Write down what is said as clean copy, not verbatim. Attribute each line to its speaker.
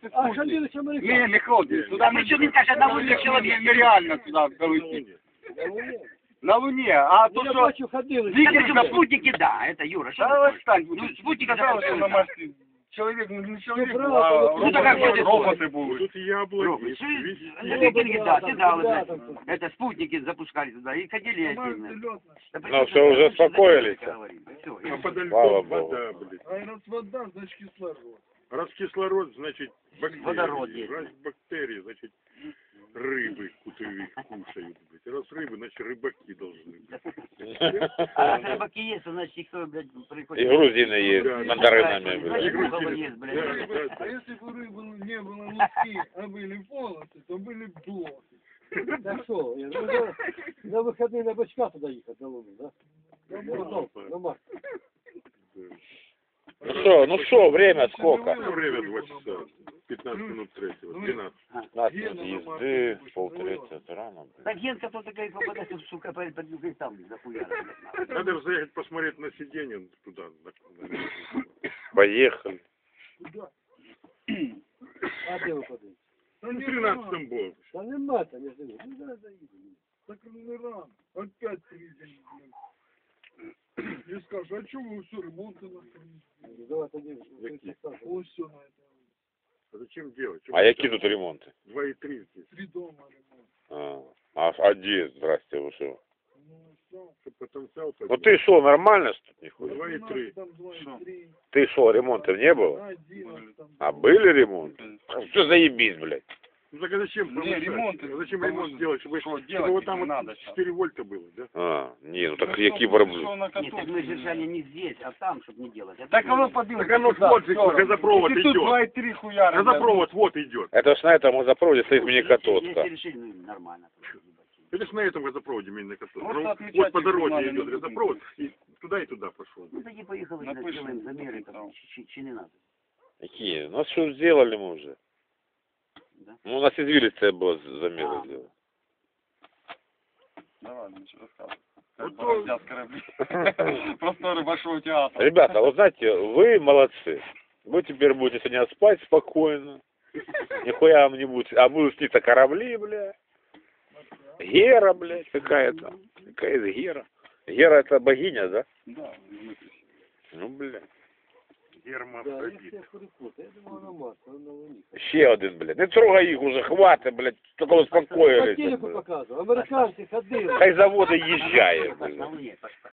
Speaker 1: А ходили с американцами?
Speaker 2: Не ходили. Туда
Speaker 3: Причем він каже, на Луні чоловік.
Speaker 2: нереально туда долететь. На Луне, а то
Speaker 1: Я
Speaker 2: что...
Speaker 1: бачу, ходили.
Speaker 3: Причем спутники, да, это Юра. Что
Speaker 2: Да,
Speaker 3: ты
Speaker 2: отстань.
Speaker 3: ну, спутника
Speaker 2: Пожалуйста, на
Speaker 3: запускают.
Speaker 2: массе. Человек, ну не человек,
Speaker 1: правда,
Speaker 2: а
Speaker 1: ну,
Speaker 3: так как ходят
Speaker 2: роботы будут.
Speaker 4: Тут яблоки,
Speaker 3: Робот.
Speaker 4: весь
Speaker 3: Энергетики, да,
Speaker 1: там,
Speaker 3: сигналы,
Speaker 1: да,
Speaker 3: да.
Speaker 1: там.
Speaker 3: Это спутники запускали туда и ходили активно.
Speaker 5: Ну, все, уже успокоились.
Speaker 4: а подо
Speaker 5: Слава
Speaker 4: льдом
Speaker 5: Богу.
Speaker 4: вода, блядь.
Speaker 6: А раз вода, значит кислород.
Speaker 4: Раз кислород, значит бактерии.
Speaker 3: Водород есть.
Speaker 4: Раз бактерии, значит рыбы кутовик кушают, блядь. Раз рыбы, значит рыбаки должны быть.
Speaker 3: А если рыбаки есть, то значит никто, блядь, приходит.
Speaker 5: И грузины есть,
Speaker 4: Да,
Speaker 5: мандаринами,
Speaker 3: Значит,
Speaker 5: блядь.
Speaker 3: Бухова есть,
Speaker 4: Да,
Speaker 3: блядь.
Speaker 4: да, да.
Speaker 6: А если бы рыбы не было луски, а были полосы, то были блоки.
Speaker 1: Так что, на выходные на бочка туда ехать, на Луну, да? На Марс.
Speaker 5: Ну что, время сколько?
Speaker 4: Ну, время 2 часа. 15 минут третьего. 12.
Speaker 5: 15 минут езды, полтретьего, это рано, блядь.
Speaker 3: Так Генка кто такая попадает, сука, под югой там, захуярит.
Speaker 4: Надо заехать посмотреть на сиденье туда.
Speaker 5: Поехали.
Speaker 1: А где вы ходите?
Speaker 6: Да
Speaker 4: Ну,
Speaker 6: не
Speaker 4: 13-м был.
Speaker 1: Да нема там между ними. Ну, зараз заедем.
Speaker 6: Так не рано. Опять приедем, блин. И скажешь, а что вы все ремонты на
Speaker 1: Давай тогда.
Speaker 4: Какие?
Speaker 6: Вот все на это.
Speaker 4: А зачем делать?
Speaker 5: А які тут ремонти?
Speaker 4: 2,3 здесь.
Speaker 6: 3 дома ремонт.
Speaker 5: А де, здрасте, ви що?
Speaker 6: Ну, все.
Speaker 4: Чтоб потенциал
Speaker 5: Ну ты шо, нормально что
Speaker 4: Ну,
Speaker 5: нихуя?
Speaker 4: 2,3.
Speaker 6: Там 2,3.
Speaker 5: Ты шо, ремонтов не было?
Speaker 6: 1 там.
Speaker 5: А были ремонты? Все заебись, блядь.
Speaker 4: Ну так а зачем повышать?
Speaker 2: ремонт,
Speaker 4: А зачем ремонт делать? Чтобы
Speaker 2: делать
Speaker 4: вот там
Speaker 2: не
Speaker 4: вот
Speaker 2: надо
Speaker 4: 4 вольта было, да?
Speaker 5: Не, ну так які проблеми?
Speaker 3: Нет, так мы держали не здесь, а там, чтобы не делать. Это
Speaker 2: Так оно
Speaker 3: было.
Speaker 2: подъем.
Speaker 4: Так оно смотрит, газопровод
Speaker 2: Если тут
Speaker 4: идет.
Speaker 2: 2,3 хуяра.
Speaker 4: Газопровод вот идет.
Speaker 5: Это ж на этом газопроводе стоит
Speaker 3: Если
Speaker 5: мини-катодка.
Speaker 3: решили, ну, нормально.
Speaker 4: Это ж на этом газопроводе именно который.
Speaker 2: Просто
Speaker 4: Ну,
Speaker 2: отмечать
Speaker 4: вот по
Speaker 2: их не
Speaker 4: дороге
Speaker 2: надо,
Speaker 4: идет
Speaker 2: не
Speaker 4: газопровод и туда пошел.
Speaker 3: Ну, таки поехали,
Speaker 2: Напишем,
Speaker 3: сделаем замеры,
Speaker 2: напишем,
Speaker 3: там,
Speaker 2: там.
Speaker 3: чи не надо.
Speaker 5: Какие? Ну что сделали мы уже?
Speaker 3: Да?
Speaker 5: Ну у нас извилистая была замеры сделать.
Speaker 2: Давай, ничего рассказывай.
Speaker 4: Вот
Speaker 2: Как
Speaker 4: то-
Speaker 2: бороздят корабли. Просторы большого театра.
Speaker 5: Ребята, вот знаете, вы молодцы. Вы теперь будете сегодня спать спокойно. Нихуя вам не будет. А будут сниться корабли, бля. Гера, блядь, какая-то. Какая-то Гера. Гера это богиня, да?
Speaker 2: Да,
Speaker 5: Ну, бля.
Speaker 1: Да, я
Speaker 4: Гермафродит.
Speaker 1: всех перепутал. Я думал на Марс, а на Луне.
Speaker 5: Ще один, блядь. Не трогай їх уже, хватит, блядь. Тільки
Speaker 1: По
Speaker 5: успокоились.
Speaker 1: телеку показывал. Американцы ходили.
Speaker 5: Хай заводи їжджає,
Speaker 3: На
Speaker 5: блядь.
Speaker 3: Луне,